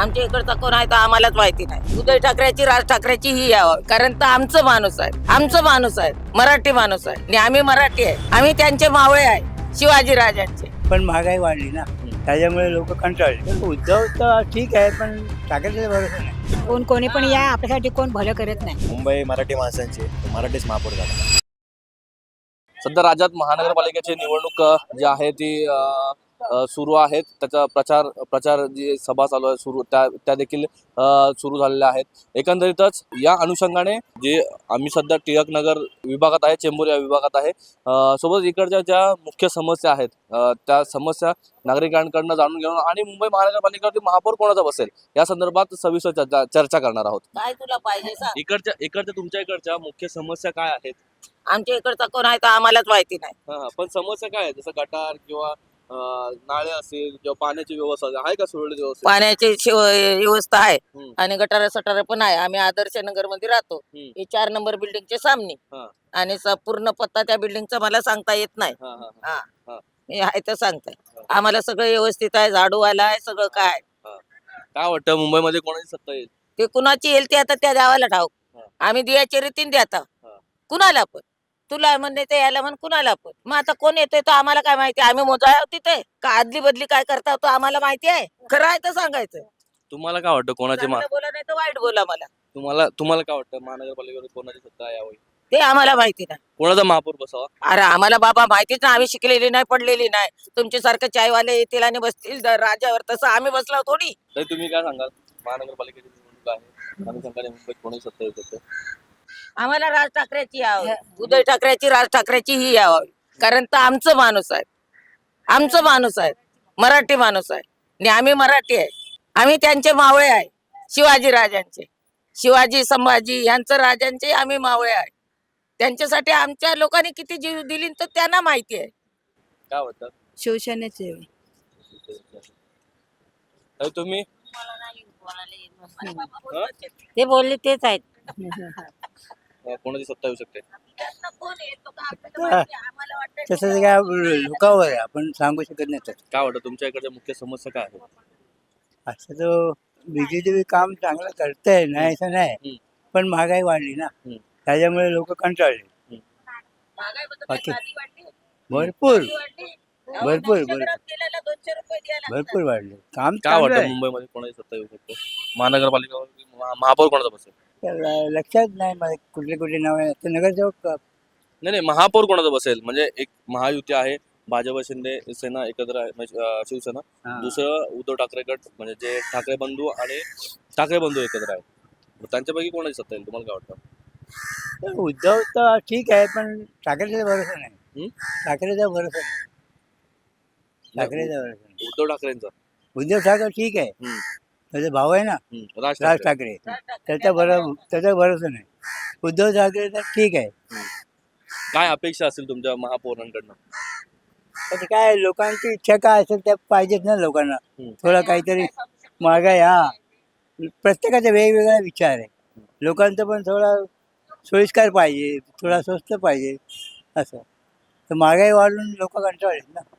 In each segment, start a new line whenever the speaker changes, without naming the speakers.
आमच्या इकडचा कोण आहे तर आम्हालाच माहिती नाही. उद्धव ठाकरेची, राज ठाकरेची ही यावं, कारण तर आमचं माणूस आहे, आमचं माणूस आहे, मराठी माणूस आहे आणि आम्ही मराठी आहे. आम्ही त्यांचे मावळे आहे, शिवाजी राजांचे.
पण महागाई वाढली ना, त्याच्यामुळे लोक कंटाळले. उद्धव तर ठीक आहे, पण ठाकरेचा भरोसा नाही.
कोणी पण या, आपल्यासाठी कोण भलं करत नाही.
मुंबई मराठी माणसांची, मराठीच महापौर झाला.
सध्या राज्यात महानगरपालिकेची निवडणूक जी आहे ती सुरू आहेत. त्याचा प्रचार जी सभा चालू आहे सुरू त्या देखील सुरू झालेल्या आहेत. एकंदरीतच या अनुषंगाने जे आम्ही सध्या टिळक नगर विभागात आहे, चेंबूर या विभागात आहे, सोबत इकडच्या ज्या मुख्य समस्या आहेत त्या समस्या नागरिकांकडनं जाणून घेऊन आणि मुंबई महानगरपालिकेवरती महापौर कोणाचा बसेल या संदर्भात सविस्तर चर्चा करणार आहोत.
काय तुला पाहिजे सांग.
इकडच्या तुमच्या इकडच्या मुख्य समस्या काय आहेत?
आमच्या इकडचा कोण आहे तर आम्हालाच माहिती नाही.
पण समस्या काय आहे? जसं गटार किंवा नाळे असेल किंवा पाण्याची व्यवस्था आहे का सुरळीत व्यवस्था?
पाण्याची व्यवस्था आहे
हम्म.
आणि गटार सटार पण आहे. आम्ही आदर्श नगर मध्ये राहतो.
हम्म.
हे 4 नंबर बिल्डिंगचे सामने
हा.
आणि पूर्ण पत्ता त्या बिल्डिंगचा मला सांगता येत नाही.
हा, हा, हा.
हा
हा.
मी आहे तर सांगताय. आम्हाला सगळं व्यवस्थित आहे, झाडूवाला आहे, सगळं काय.
काय वाटतं मुंबईमध्ये कोणाची सत्ता येईल?
ते कुणाची येईल ते आता त्या गावाला ठाऊक.
हा.
आम्ही दियाच्या रीतीने देता
हा.
कुणाला पण. तुला म्हणणे ते याला म्हण कुणाला पण. मग आता कोण येतोय तो आम्हाला काय माहिती. आम्ही मोजा तिथे का आदली बदली काय करता तो आम्हाला माहिती आहे. खरं आहे तर सांगायचं.
तुम्हाला काय वाटतं कोणाची
चांगलं बोला नाही तर वाईट बोला. मला
तुम्हाला काय वाटतं महानगरपालिकेवर कोणाची सत्ता यावी?
ते आम्हाला माहिती नाही.
कोणाचा महापौर बसावा?
अरे आम्हाला बाबा माहितीच ना. आम्ही शिकलेली नाही, पडलेली नाही. तुमच्यासारखं चायवाले येतील आणि बसतील राजावर, तसं आम्ही बसलो थोडी.
तर तुम्ही काय सांगाल? महानगरपालिकेची निवडणूक आहे, अनुषंगाने मुंबईत कोणाची सत्ता येऊ शकते?
आम्हाला राज ठाकरेची यावं, उद्धव ठाकरेची, राज ठाकरेची ही यावं, कारण तर आमचं माणूस आहे, आमचं माणूस आहे, मराठी माणूस आहे आणि आम्ही मराठी आहे. आम्ही त्यांचे मावळे आहे, शिवाजी राजांचे. शिवाजी संभाजी यांचं राजांचे आम्ही मावळे आहे. त्यांच्यासाठी आमच्या लोकांनी किती जीव दिली तर त्यांना माहिती आहे.
काय वाटतं?
शिवसेनेचे
तर तुम्ही
ते बोलले तेच आहेत.
कोणाची सत्ता येऊ शकते?
तसं काय लोकांवर आहे, आपण सांगू शकत नाही. तसं
काय वाटतं तुमच्या इकडच्या मुख्य समस्या काय आहेत?
असं तो बीजेपी काम चांगलं करतंय, नाही असं नाही, पण महागाई वाढली ना, त्याच्यामुळे लोक कंटाळले. बाकी भरपूर भरपूर भरपूर वाढले. काम
काय
चांगलं
वाटतं
आहे.
मुंबईमध्ये कोणाची सत्ता येऊ शकते? महानगरपालिकेवर महापौर कोणाचा बसेल?
तर लक्षात नाही मला कुठले कुठले नाव आहे. तर नगरसेवक
नाही महापौर कोणाचा बसेल? म्हणजे एक महायुती आहे, भाजप शिंदे सेना एकत्र आहे, म्हणजे शिवसेना. दुसरं उद्धव ठाकरे गट, म्हणजे जे ठाकरे बंधू आणि ठाकरे बंधू एकत्र आहेत. मग त्यांच्यापैकी कोणाची सत्ता येईल? तुम्हाला काय वाटतं?
तर उद्धव तर ठीक आहे, पण ठाकरेचा भरोसा नाही.
हम्म?
ठाकरेचा भरोसा नाही. ठाकरेचा भरोसा नाही.
उद्धव ठाकरेंचा.
उद्धव ठाकरे ठीक आहे,
हम्म.
त्याचा भाऊ आहे ना
राज
राज
ठाकरे.
ठाकरे, त्याचा भरोसा नाही. उद्धव ठाकरे तर ठीक आहे.
काय अपेक्षा असेल तुमच्या महापौरांकडनं?
तर काय लोकांची इच्छा काय असेल त्या पाहिजेत ना लोकांना. थोडा काहीतरी महागाई, प्रत्येकाचा वेगवेगळा विचार आहे. लोकांचं पण थोडा सोयीस्कर पाहिजे, थोडा स्वस्त पाहिजे असं. तर महागाई वाढून लोक कंटाळलेत ना,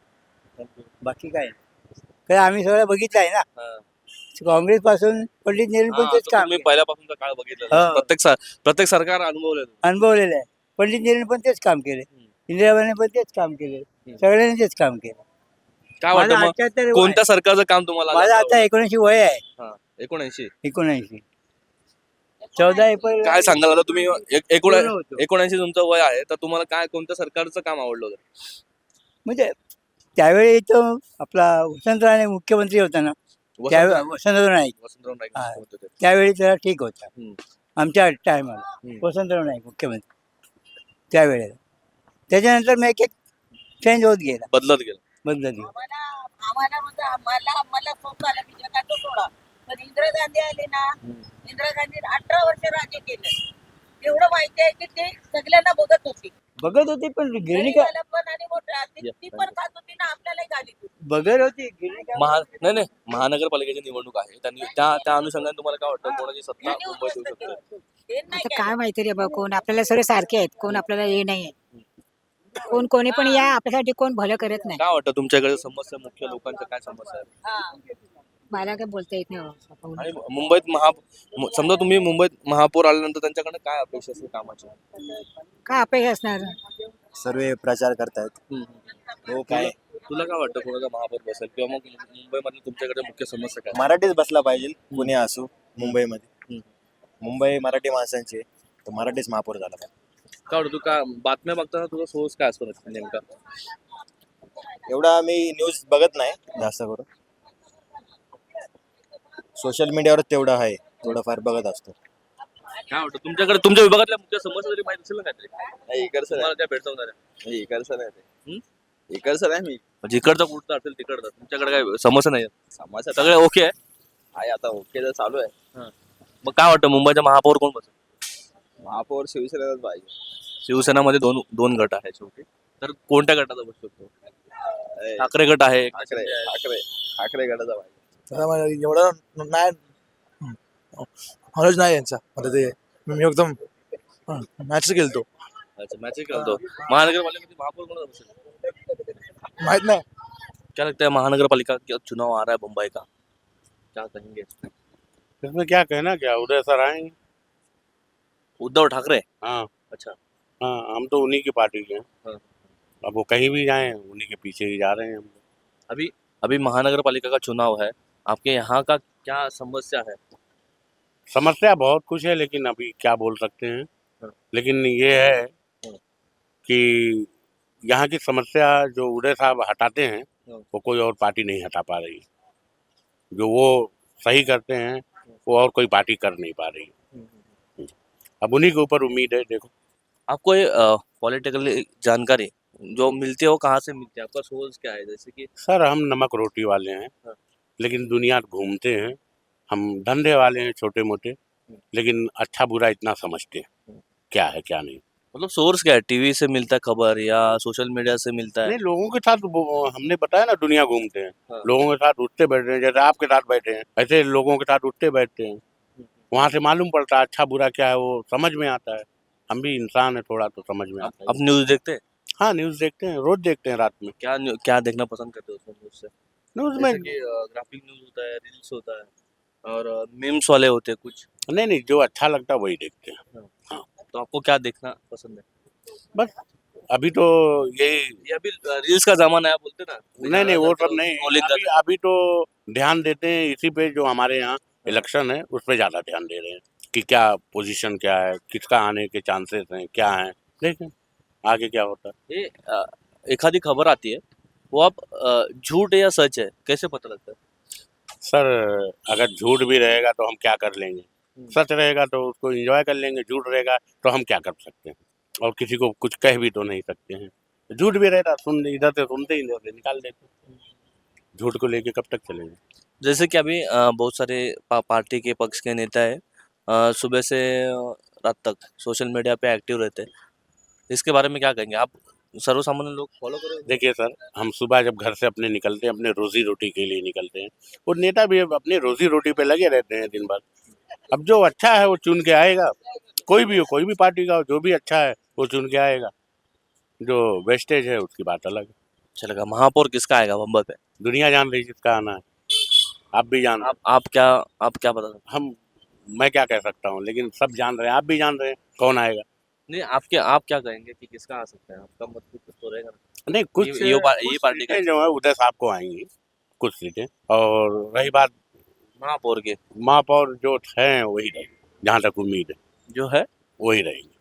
बाकी काय नाही. कारण आम्ही सगळं बघितलं आहे ना. काँग्रेस पासून पंडित नेहरू पण तेच काम
मी पहिल्यापासूनचा काळ बघितला. प्रत्येक सरकार
अनुभवलेलं आहे. पंडित नेहरू पण तेच काम केले, इंदिराबाईने पण तेच काम केले, सगळ्यांनी तेच काम केलं.
काय वाटतं
माझं
मग
78 वय
कोणत्या
आहे.
सरकारचं काम तुम्हाला
माझं
जास्त
आता 79 वय आहे.
आवडलं? 79.
79 14 एप्रिल
काय सांगाल आता तुम्ही?
पूर्ण होतो.
79 तुमचं वय आहे, तर तुम्हाला काय कोणत्या सरकारचं काम आवडलं होतं?
म्हणजे त्यावेळी तो आपला वसंतराव मुख्यमंत्री होता ना, त्यावेळी वसंतराव नाईक,
वसंतराव नाईक
हा.
होते ते.
त्यावेळी जरा ठीक होता.
हम्म.
आमच्या टायमाला वसंतराव नाईक मुख्यमंत्री त्यावेळेला. त्याच्यानंतर मग एक चेंज होत गेला,
बदलत गेलं.
बदलत गेला.
मला स्वतःला मी जगाचं सोडा. पण इंदिरा गांधी आले ना, इंदिरा गांधी 18 वर्ष राज्य केलं. एवढं माहिती आहे की ते सगळ्यांना बघत होती.
बघत होती, पण गिरणी का
पण आणि मोठ्या ती पण खात होती ना, आपल्यालाही घालीत होती.
बघत होती गिरणी का
नाही महानगरपालिकेची निवडणूक आहे, त्यांनी त्या अनुषंगाने तुम्हाला काय वाटतं कोणाची सत्ता मुंबईत येऊ शकते?
ते नाही
आता काय माहिती रे बा, कोण आपल्याला सगळे सारखे आहेत, कोण आपल्याला हे नाही आहे. कोणी पण या, आपल्यासाठी कोण भलं करत नाही.
काय वाटतं तुमच्याकडे समस्या मुख्य लोकांच्या काय समस्या आहेत?
मला काय बोलता येत नाही बाबा.
आणि मुंबईत समजा तुम्ही मुंबईत महापौर आल्यानंतर त्यांच्याकडे काय अपेक्षा असते कामाची?
काय अपेक्षा असणार?
सर्व प्रचार करतायत. हो काय
तुला काय वाटतं कोणाचा महापौर बसेल किंवा मग मुंबईमध्ये तुमच्याकडे मुख्य समस्या काय?
मराठीच बसला पाहिजे, कुणी असो मुंबईमध्ये. मुंबई मराठी माणसांची आहे, तर मराठीच महापौर झाला पाहिजे.
काय वाटतं तू का बातम्या बघताना तुझा सोर्स काय असतो नेमका?
एवढा मी न्यूज बघत नाही जास्त करून. सोशल मीडियावर तेवढं आहे, थोडंफार बघत असतो.
काय वाटतं तुमच्याकडे तुमच्या विभागातल्या मुख्य समस्या तरी माहिती असेल ना काहीतरी?
नाही इकडचं
तुम्हाला त्या भेटवणार
नाही, इकडचं नाही
हम्म?
ते इकडचं नाही मी
म्हणजे इकडचा कुठचा असेल तिकडचा तुमच्याकडे काय समस्या नाही आहेत?
समाजात
सगळे ओके आहे?
आहे आता ओके तर चालू आहे.
मग काय वाटतं मुंबईचा महापौर कोण बसेल?
महापौर शिवसेनेलाच पाहिजे.
शिवसेनामध्ये दोन दोन गट आहेत शेवटी, तर कोणत्या गटाचा बसू शकतो?
ए,
ठाकरे गट आहे
ठाकरे ठाकरे ठाकरे गटाचा पाहिजे.
तसा मला एवढं नाही नॉलेज नाही यांचा मला ते मी एकदम मॅच खेळतो
अच्छा मॅच खेळतो. महानगरपालिकेमध्ये महापौर कोण बसेल?
माहित नाही.
क्या लगता है महानगरपालिका का चुनाव आ रहा है मुंबई का, क्या कहेंगे?
इसमें क्या कहना, क्या उदय सर आएंगे।
उद्धव ठाकरे?
हाँ
अच्छा
हाँ, हम तो उन्हीं की पार्टी के हैं।
हाँ।
अब वो कहीं भी जाएं उन्हीं के पीछे ही जा रहे हैं हम।
अभी अभी महानगरपालिका का चुनाव है, आपके यहाँ का क्या समस्या है?
समस्या बहुत कुछ है, लेकिन अभी क्या बोल सकते हैं।
हाँ।
लेकिन ये है
हाँ।
कि यहाँ की समस्या जो उदय साहब हटाते हैं
हाँ।
वो कोई और पार्टी नहीं हटा पा रही। जो वो सही करते हैं वो और कोई पार्टी कर नहीं पा रही। अब उन्हीं के ऊपर उम्मीद है। देखो
आपको ये पॉलिटिकल जानकारी जो मिलती है वो कहाँ से मिलती है? आपका सोर्स क्या है? जैसे कि
सर, हम नमक रोटी वाले हैं,
हाँ।
लेकिन दुनिया घूमते हैं। हम धंधे वाले हैं छोटे मोटे, लेकिन अच्छा बुरा इतना समझते हैं क्या है क्या नहीं।
मतलब सोर्स क्या है? टीवी से मिलता है खबर या सोशल मीडिया से मिलता है?
नहीं, लोगों के साथ हमने बताया ना, दुनिया घूमते हैं।
हाँ।
लोगों के साथ उठते बैठते हैं, जैसे आपके साथ बैठे हैं ऐसे लोगों के साथ उठते बैठते हैं। वहाँ से मालूम पड़ता है अच्छा बुरा क्या है, वो समझ में आता है। हम भी इंसान है, थोड़ा तो समझ में आता है।
आप न्यूज देखते हैं?
हाँ, न्यूज़ देखते हैं, रोज देखते हैं रात में।
क्या देखना पसंद करते हो उसमें न्यूज से?
न्यूज़
जैसे
में
कि ग्राफिक न्यूज होता है, रील्स होता है और मीम्स वाले होते हैं कुछ,
नहीं, जो अच्छा लगता है वही देखते हैं।
तो आपको क्या देखना पसंद है?
बस अभी तो यही।
ये अभी रील्स का जमाना है बोलते ना?
नहीं, वो सब नहीं।
Scrolling
अभी तो ध्यान देते हैं इसी पे, जो हमारे यहाँ इलेक्शन है उस पे ज्यादा ध्यान दे रहे हैं कि क्या पोजीशन क्या है, किसका आने के चांसेस हैं, क्या हैं। देखें आगे क्या होता है।
ये एखादी खबर आती है वो आप झूठ है या सच है कैसे पता लगता है?
सर, अगर झूठ भी रहेगा तो हम क्या कर लेंगे, सच रहेगा तो उसको एंजॉय कर लेंगे, झूठ रहेगा तो हम क्या कर सकते हैं, और किसी को कुछ कह भी तो नहीं सकते हैं। झूठ भी रहता इधर से सुनते ही इधर से निकाल देते। झूठ को लेके कब तक चलेंगे।
जैसे कि अभी बहुत सारे पार्टी के पक्ष के नेता है सुबह से रात तक सोशल मीडिया पे एक्टिव रहते हैं, इसके बारे में क्या कहेंगे आप? सर्वसामान्य लोग फॉलो करें?
देखिए सर, हम सुबह जब घर से अपने निकलते हैं, अपने रोजी रोटी के लिए निकलते हैं, और नेता भी अपने रोजी रोटी पे लगे रहते हैं दिन भर। अब जो अच्छा है वो चुन के आएगा, कोई भी हो, कोई भी पार्टी का हो, जो भी अच्छा है वो चुन के आएगा। जो वेस्टेज है उसकी बात अलग है।
चलेगा। महापौर किसका आएगा मुंबई पे?
दुनिया जान रही जिसका आना है, आप भी जान रहे
आप क्या बता सकते
हैं। मैं क्या कह सकता हूँ, लेकिन सब जान रहे हैं, आप भी जान रहे हैं कौन आएगा।
नहीं? आप क्या कहेंगे कि किसका आ सकता है? आपका मत कुछ तो रहेगा ना?
नहीं, कुछ
ये पार्टी का
सीटें जो है उदय साहब को आएंगी, कुछ सीटें। और रही बात
महापौर के,
महापौर जो हैं वही रहेंगे, जहाँ तक उम्मीद है
जो है
वही रहेंगे।